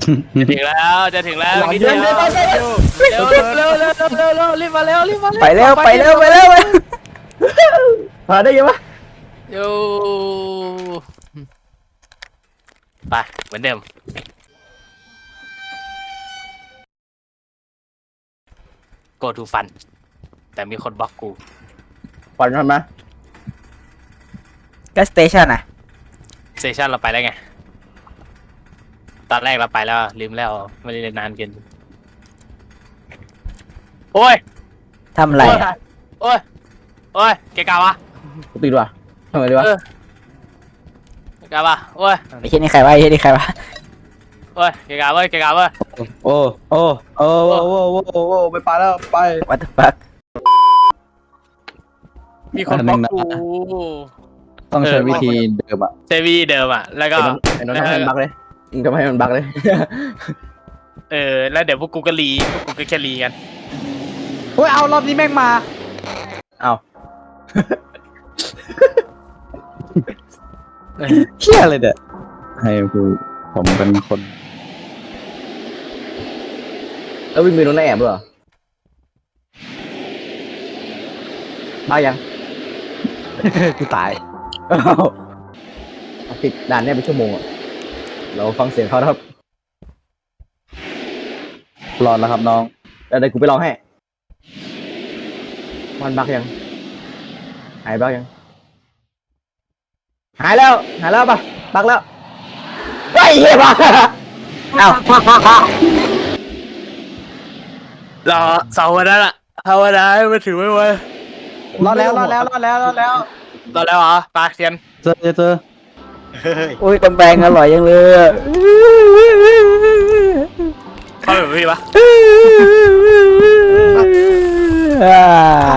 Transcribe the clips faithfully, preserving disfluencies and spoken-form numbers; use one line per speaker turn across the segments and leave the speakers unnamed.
จะถึงแล้วจะถึงแล้วนิดเดียวเร็วเร็วเร็วเร็วเร็วเร็วรีบมาเร็วรีบมา
ไปเร็วไปเร็วไปเร็ว
พาได้ยังวะ
โย่ไปเหมือนเดิมโกทูฟันแต่มีคนบล็อกกู
ฝันทำไหม
ก็สเตชันอ่ะ
เซสชั่นเราไปแล้วไงตอนแรกเราไปแล้วลืมแล้วไม่ได้เล่นนานเกินโอ้ย
ทำอะไรอะ
โอ้ยโอ้ยเกะกะวะ
กูติดว่ะทำไมดีวะ
เกะกะวะโอ้ย
ไอ้เช่นนี่ใครวะไอ้เช่นนี่ใครวะ
โอ้ยเกะกะเว้ยเกะกะเว้ย
โอ้โอ้โอ้โอ้โอ้โอ้โอ้ไปไปแล้วไป
วัตถุฟัก
มีคนบล็อกกู
ต้องใช้วิธีเดิมอ่ะ
เซวีเดิมอ่ะแล้วก็
ไอ้น้องทำให้มันบักเลยมึงทำให้มันบักเลย
เออแล้วเดี๋ยวพวกกูก็รีพวกกูก็แค่รีกัน
เฮ้ยเอารอบนี้แม่งมา
เอา
เชี่ยเลยเด็ด
ให้คือผมเป็นคน
แล้ววิ่งไปโดนแอบด้วยเหรอมายัง
กูตาย
อ้าวติดด่านเนี่ยเป็นชั่วโมงอ่ะเราฟังเสียงเขาครับ
รอดแล้วครับน้อง
แล้วเดี๋ยวกูไปลองให้มันบักยังหายบักยังหายแล้วหายแล้วปะบักแล้วไอ้เหี้ยบัก
เอ้าร
อเสาร์วันนั้นอะภาวนาให้มันถึงไม่ไหว
รอดแล้วรอดแล้วรอดแล้วรอดแล้ว
รอแล้วเหรอปลาเทียน
เจอเจอ
อุ้ยกำแพงอร่อยยังเลยอะ
เข้าไปแบบพี่ปะ
อ่า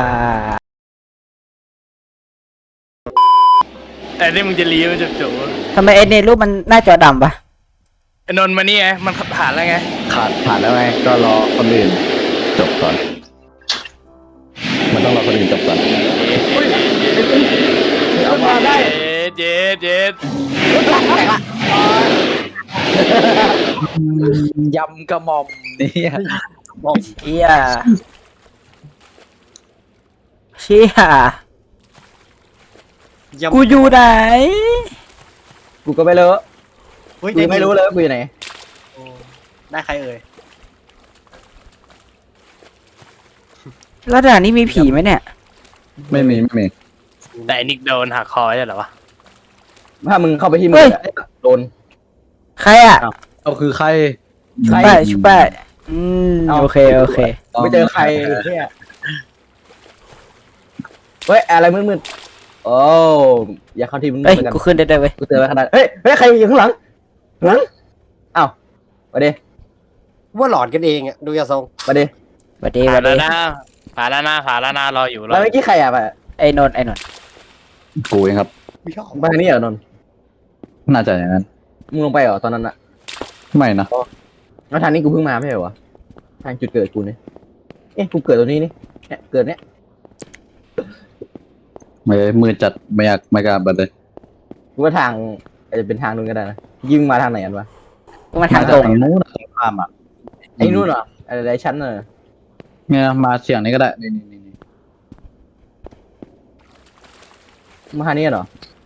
แต่นี่มึงจะรีมันจะจู่
ทำไมไอ้ในรูปมันหน้าจอดำปะ
ไอ้นนท์มานี่ไงมันผ่านแล้วไง
ขาดผ่านแล้วไงก็รอคนอื่นจบก่อน มันต้องรอคนอื่นจบก่อน
เอามาได้
เย็ดเย็ด
ยำกระหม่อมเนี่ย
เชี่ยเชี่ยกูอยู่ไหน
กูก็ไม่รู้
เฮ้ย
กูไม่รู้เลยว่ากูอยู่ไหน
ได้ใครเอ่ย
แล้วด่านนี้มีผีไหมเนี่ย
ไม่มีไม่มี
แต่ไอ้นิกโดนหักคอใช่เหรอวะ
ถ้ามึงเข้าไปที่มึงอะโดน
ใครอ่ะ
เอาคือใคร
ใคร
ชุบแป้ชุบแป้อืม
เอา
โอเคโอเค
ไม่เจอใครเนี่ยเฮ้ยอะไรมืดๆโอ้อย่าเข้าที่มึง
เอ้ย
กัน
กูขึ้นได้ด้วยเว้ย
กูเจอแล้วขนาดเฮ้ยเฮ้ยใครอยู่ข้างหลังหลังอ้าวมาดิ
ว่าหลอนกันเองอ่ะดูยาทรง
มาดิ
สวัสดีส
ผ่า
วัน ส
แล้ว
ดี
นะผ่านแล้วนะผ่านแล้วนะรออยู่รอ
แล้วเมื่อกี้ใครอ่ะไป
ไอ้นนท์ไอ้นนท์
กูเองครับ
ไม่ชอบ
ไปทางนี้เหรอนนท์
น่าจะอย่างนั้น
มึงลงไปเหรอตอนนั้นอะ
ไม่นะ
แล้วทางนี้กูเพิ่งมาไม่ใช่เหรอวะทางจุดเกิดกูเนี่ยเอ๊ะกูเกิดตรงนี้นี่เนี่ยเกิดเนี้ย
ไม่มือจัดไม่อยากไม่กล้าบัดเลย
กูว่าทางอาจจะเป็นทางนู้นก็ได้นะยิงมาทางไหนกันวะ
กูมาทางตรง
ทางนู้นทางข้ามอ่ะ
ไอ้นู่นเหรออะไรชั้นเนอะ
เนี่ยมาเสียงนี้ก็ได้นี่นี่นี่
มาทางนี้เหรอ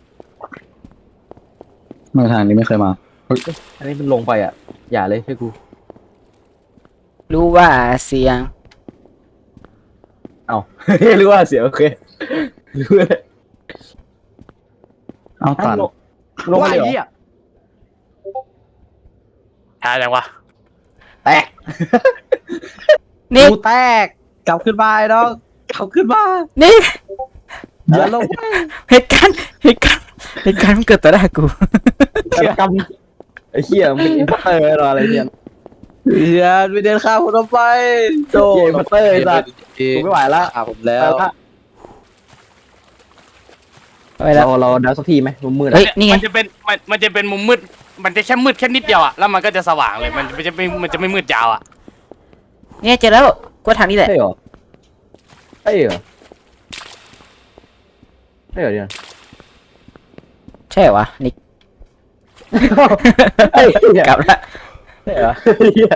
เมื่อทางนี้ไม่เคยมา
อันนี้มันลงไปอ่ะอย่าเลยให้กู
รู้ว่าเสียง
เอา รู้ว่าเสียโอเครู้เลย
เอาตัน
ลงลงมา
ว่า
เลยเหร
ไอ้
อ
เหี้ย
ช้าจังวะ
แตก
นี่
กูแตกกลับขึ้นมาไอ้น้องกลับขึ้นมา
นี่
อย่าลงไป
เหตุการณ์เหตุการณ์เหตุการณ์มันเกิดต่อหน้ากู
กำไอ้เหี้ยมันเป็นอินพัตเตอร์หรออะไรเนี่ย
เฮียไปเดินข้ามคนต่อไปโจ
เกมพัตเตอร์ไอ้สัสกูไม่ไหวละ
อ่ะผมแล้ว
ไปแล้ว
เราเราดาวสักทีไหมมุมมืด
เฮ้ยนี่ไง
มันจะเป็นมันมันจะเป็นมุมมืดมันจะแค่มืดแค่นิดเดียวอะแล้วมันก็จะสว่างเลยมันมันจะไม่มันจะไม่มืดยาวอะ
เนี่ยเจอแล้วกูว่าทางนี้แหละ
ใช่เหรอใช่เหรอใช่เหรอเนี่ย
ใช่เหรอวะนิก
เฮ้ย
กลับละ
ช่เหรอเหี้ย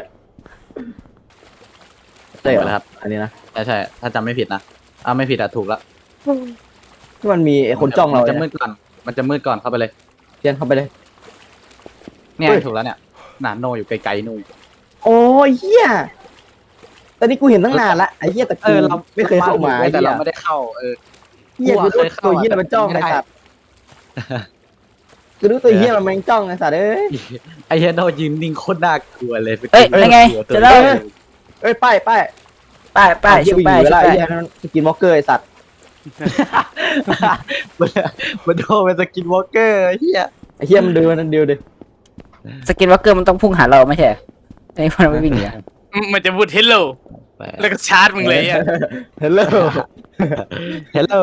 ใช่เหร
ไป
อ
แล้วครับ อันนี้นะใช่ใช่ถ้าจำไม่ผิดนะอ่าไม่ผิดอ่ะถูกแล้ว
ที่มันมีไอ้คนจ้องเรา
มันจะ
เนี่ย
มืดก่อนมันจะมืดก่อนเข้าไปเลย
เทียนเข้าไปเลย
เนี่ย
เฮ้ย
ถูกแล้วเนี่ยหนาโนอยู่ไกลๆนู่น
โอ้ยเหี้ยตอนนี้กูเห็นตั้งนานละไอ้เหี้ยแต่
เอ
กู
อเรา
ไม่เคยเข้ามา
แต่
ไอ้
เรา
เหี้ย
ไม่ได้เข้าเออ
เหี้ย
กู
กู
อะ
รู้
เคยเข้า
ตัวเหี้ย
อะ
มันจ้อง
แต่
ไอ้
ไม่ได้
สัตว์กูรู้ตัวเหี้ยมันแม่งจ้องไอ้สัตว์เอ้ย
ไอ้เหี้ยโนยืนนิ่งโคตรน่ากลัวเลย
เอ้ยยังไง
ตัว
จะเล่า
เดียว
เอ้ยป้ายป้าย
ป้ายป้าย
เหี้
ชู
ย
ป้าย
อยู่
ชู
แล้ว
ป้า
ไอ้
ย
เหี้ยนั่นสกินวอล์กเกอร์ไอ้สัตว์
มันมันโดนเป็นสกินวอล์กเกอร์ไอ้เหี้ย
ไอ้เหี้ยมันดูมันดูดิ
สกินวอล์กเกอร์มันต้องพุ่งหาเราไม่ใช่เหรอไอ้คนไม่วิ่งหนีอะ
มันจะพูดเฮลโลแล้วก็ชาร์จมึงเลยอ่ะ
เฮลโล
เฮลโล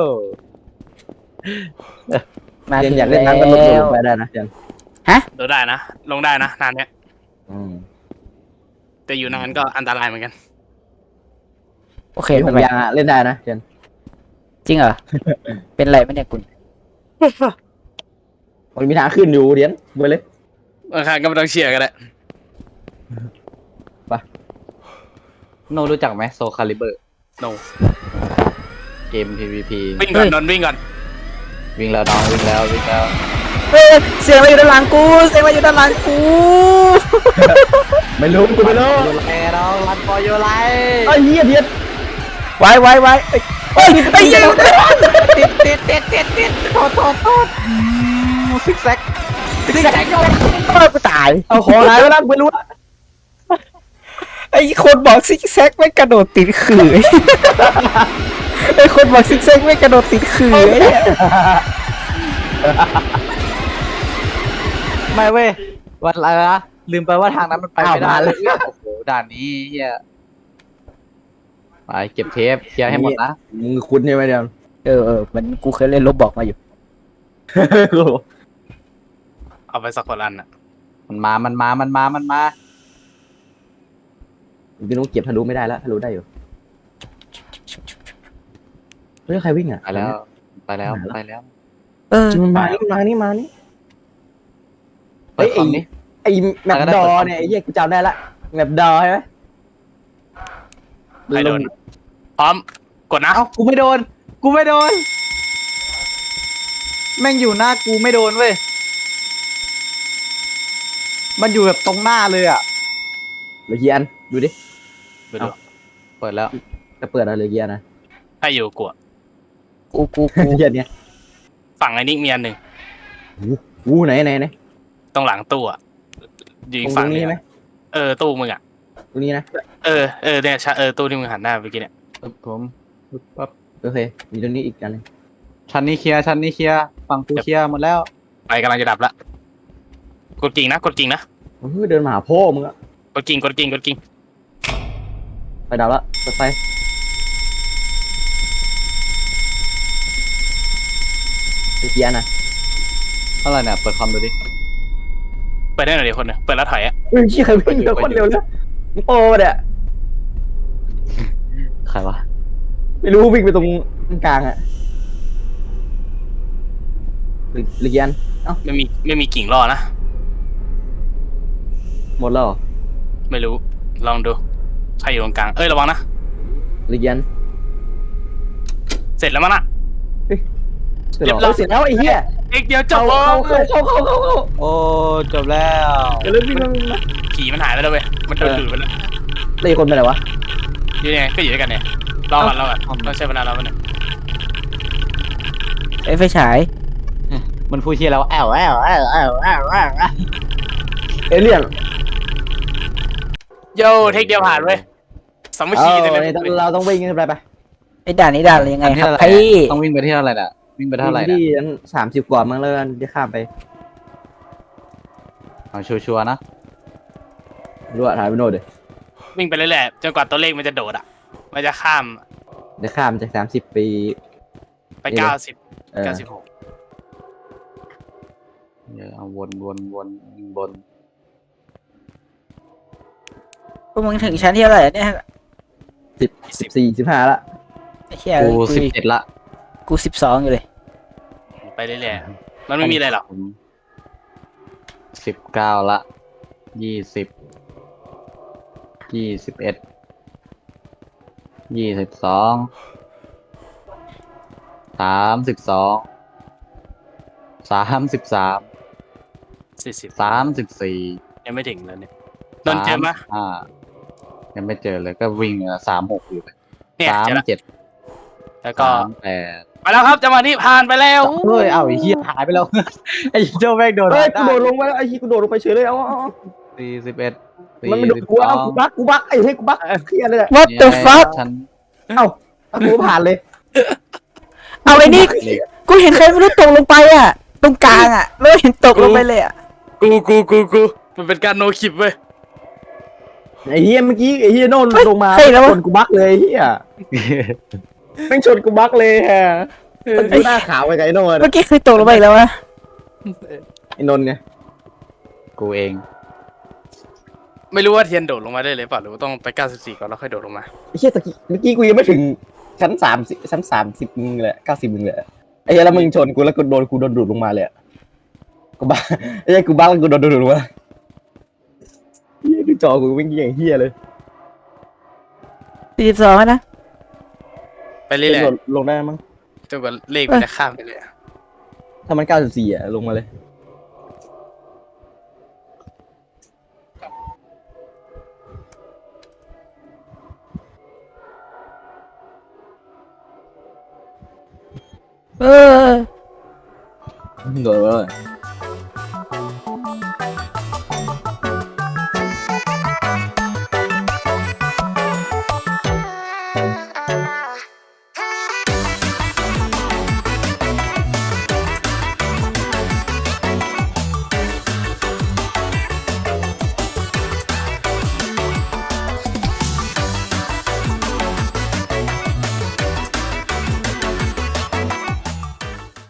มา
เทียน
ถึง
อยากเล่น
แล้
น้ำก็ลดล
ว
งไปได้นะเทียน
โดดได้นะ ลงได้นะนานเนี้ย
อืม
แต่อยู่นานก็อันตรายเหมือนกัน
โอเค
มีห
ไม่
ก
เป็นไร
ยางอะเล่นได้นะเทียน
จริงเหรอ เป็นไรไม่เนี่ยคุณ
มันมีทางขึ้นอยู่เทียนไปเลย
บางครั้งก็ไม่ต้องเชียร์กันแหละ
โนรู้จักไหมโซคาลิเบอร์
โน
เกม พี วี พี
วิ่งก่อนนนท์วิ่งก่อน
วิ่งแล้วน้องวิ่งแล้ววิ่งแล้ว
เฮ้ยเสียงอะไรอยู่ด้านหลังกูเสียงอะไรอยู่ด้านหลังกู
ไม่รู้กูไม่รู้
โยไลน้องรันฟอร์โยไล
ไอ้เหี้ยเทียน
ไว้ไว้ไว้เอ้ยเฮ้ยไอ้เหี้ย
ติดติดติดติดติดโทษโทษโทษซิกแซก
ซิกแซกโอ้ยกูตาย
เอาของหายไปแล้วกูไม่รู้อะ
ไอ้คนบอกซิกแซกไม่กระโดดติดขื่อไอ้คนบอกซิกแซกไม่กระโดดติดขื่อไอ้เหี้ย
ไม่เว้ยวันอะไรนะลืมไปว่าทางนั้นมันไปไม่ได้เลยโอ้โหด่านนี้เฮียไปเก็บเทปเคลียร์ให้หมดนะ
มึงคุ้นใช่ไหมเดียว
เออเออมันกูเคยเล่นลบบอกมาอยู่
เอาไปสักคนอันอ่ะ
มันมา มันมา มันมา มันมา
พี่นุ๊กเก็บทะลุไม่ได้แล้วทะลุได้อยู่เฮ้ยใครวิ่งอ่ะ
ไปแล้ว ไปแล้ว ไปแล้ว
เออ
มันมานี่มานี่มานี่
เปิดคอมนี้
ไอ้แมปดอเนี่ยไอ้เหี้ยกูจำได้ละแมปดอใช่ไหม
ใครโดน พร้อม กดนะ
เอ้า กูไม่โดน กูไม่โดน แม่งอยู่หน้ากูไม่โดนเว้ย มันอยู่แบบตรงหน้าเลยอ่ะ
เหลือกี่อันดูดิ
ไปดู
เปิดแล้ว
จะเปิดอะไรเหลือกี่อันนะ
ให้อยู่กลัว
กูกูกู
เหี้ยเนี่ย
ฝั่งไอ้นิกมีอันหนึ่ง
อู้ไหนไหนไหน
ตรงหลังตู้อ่ะอยู่
ต
อี
รง
กฝั่ง
นี้
นี้
ไหม
เออตู้มึงอ่ะ
ตรงนี้นะ
เออเออเนี่ยชะเออตู้ที่มึงหันหน้าไปกี้เนี่ย
ปึ๊บผมปึ๊บปั๊บ
โอเคมีตรงนี้อีกอันหนึง
ชั้นนี้เคลียร์ ชั้นนี้เคลียร์ ฝั่งกูเคลียร์หมดแล้ว
ไฟกำลังจะดับละกดกิ่งนะกดกิ่งนะ
เฮ้ยเดินมาหาพ่อมึงอะ
กดกิ่งกดกิ่งกดกิ่ง
ไปดับละเปิดไฟเหลือกี่อันนะ
เท่าไหร่เนี่ย เปิดคอมดูดิ
เปิดได้หน่อยเดียวคนหนึงเปิดแล้วถอยอ่ะ
เฮ้ยใครวิ่งเร็วคนเร็วเลยมึงโป้ปะเนี่ย
ใครวะ
ไม่รู้วิ่งไปตรงกลางอะเหลือเหลือกี่อันเอ้า
ไม่มีไม่มีกิ่งรอนะ
หมดแล้วเหรอ
ไม่รู้ลองดูใครอยู่ตรงกลางเอ้ยระวังนะ
เหลือกี่อัน
เสร็จแล้วมั้งนะ
เสร็จ
เรียบร้
แล้
อ
วย เสร็จแล้วไอ้เหี้ย
อีกเดียวจ
เข้า
บ
เข้าเข้าเข้าเข้าเข้าเข้า
โอ้ จบแล้ว
เดี๋ยวเริ่มวิ่งเริ่มวิ่งแล้ว
ขี่มันหายไปแล้วเว้ยมันโดนดูดไปแล้ว
แล้วอีกคนไปไหนวะ
อยู่ยังไงก็อยู่ด้วยกันเนี่ยรอก่อนรอก่อนต้องใช้เวลาเราเนี่ย
ไอ้ไฟฉาย
มันพูดเชียร์แล้วแอวแอวแอวแอวแอวแอวแอว
เอเลี่ยน
โยเทคเดียวผ่านเว้ยสามัค
เอ
คี
อ
เลย
เนี่ย
นะ
เราต้องวิ่งกันไปไป
ไอ้ด่านนี้ด่านอะไรยังไง
อันที่
ครับ
เท่าไหร่
พี่
ต้องวิ่งไปที่เท่าไหร่น่ะ วิ่งไปเท่าไหร่
ที่
น่ะ
สามสิบกว่ามั้งแล้วกันที่ข้ามไป
เอาชัวร์ๆนะ
รู้อะถ่ายไปโน่นเดี๋ยว
วิ่งไปเรื่อยๆจนกว่าตัวเลขมันจะโดดอ่ะมันจะข้าม
เดี๋ยวข้ามจากสามสิบปี
ไปเก้าสิบ
เออ
เก้าสิบหก
เดี๋ยวเอาวนวนวนวน
พวกมึงถึงชั้นที่เท่าไหร่เนี่ย
สิบสิบสี่สิบห้าละ
ไอ้เหี้ย
กู
กู
สิบเจ็ดละ
กูสิบสองอยู่เลย
ไปเรื่อยๆมันไม่มีอะไรหรอก
สิบเก้าละยี่สิบยี่สิบเอ็ดยี่สิบสอง สามสิบสอง สามสิบสาม
สี่สิบ
สามสิบสี่
ยังไม่ถึงเลยเนี่ยโดนเจอไหม
อ่ายังไม่เจอเลยก็วิ่งสามหกอยู่ไป
เนี่ย
สาม
เจอแล้ว
เจ็ด
แล้วก็
สามแปด
ไปแล้วครับจังหวะนี้ผ่านไปแล้ว
เฮ้ยเอ้าไอ้เหี้ยหายไปแล้ว ไอ้เจ้าแม่งโดน
เฮ้ย
ได้
กูโดดลงไปแล้วไอ้ที่กูโดดลงไปเฉยเลยเอาเอาเอา
สี่สิบเอ็ด
มันไม่โดนกูเอากูบักกูบักไอ้เฮ้ยกูบักเครียดเลยอะ
What the fuck
ฉัน
เอ้าเอากูผ่านเลย
เอาไอ้นี่กูเห็นใครไม่รู้ตกลงไปอ่ะ ตรงกลางอ่ะแล้วเห็นตกลงไปเลยอ่ะ
กูกูกูกูมันเป็นการโนคลิปเว้ย
ไอ้เฮียเมื่อกี้ไอ้เฮียโน่นลงมา
เฮ้ยแล้ววะ
ชนกูบักเลยไอ้เฮียแม่งชนกูบักเลยฮะมันดูหน้าขาวไปไงไอ้โน่น
เมื่อกี้เคยตกลงไปอีกแล้ววะ
ไอ้นนท์ไง
กูเอง
ไม่รู้ว่าเทียนโดดลงมาได้เลยเปล่าหรือว่าต้องไปเก้าสิบสี่ก่อนแล้วค่อยโดดลงมา
ไอ้เฮียตะกี้เมื่อกี้กูยังไม่ถึงชั้นสามสิบชั้นสามสิบมึงเลยเก้าสิบมึงเลยไอ้เฮียแล้วมึงชนกูแล้วกูโดนกูโดนดูดลงมาเลยอะกูบักไอ้เฮียกูบักแล้วกูโดนดูดลงมาเฮียดูจอกูวิ่งอย่างเฮียเลย
สี่สิบสองนะ
ไปเรื่อย
ลงลงได้มั้ง
ๆจนกว่าเลขมันจะข้ามไปเลยอะ
ถ้ามันเก้าสิบสี่อะลงมาเลย
เออ
โดนเลย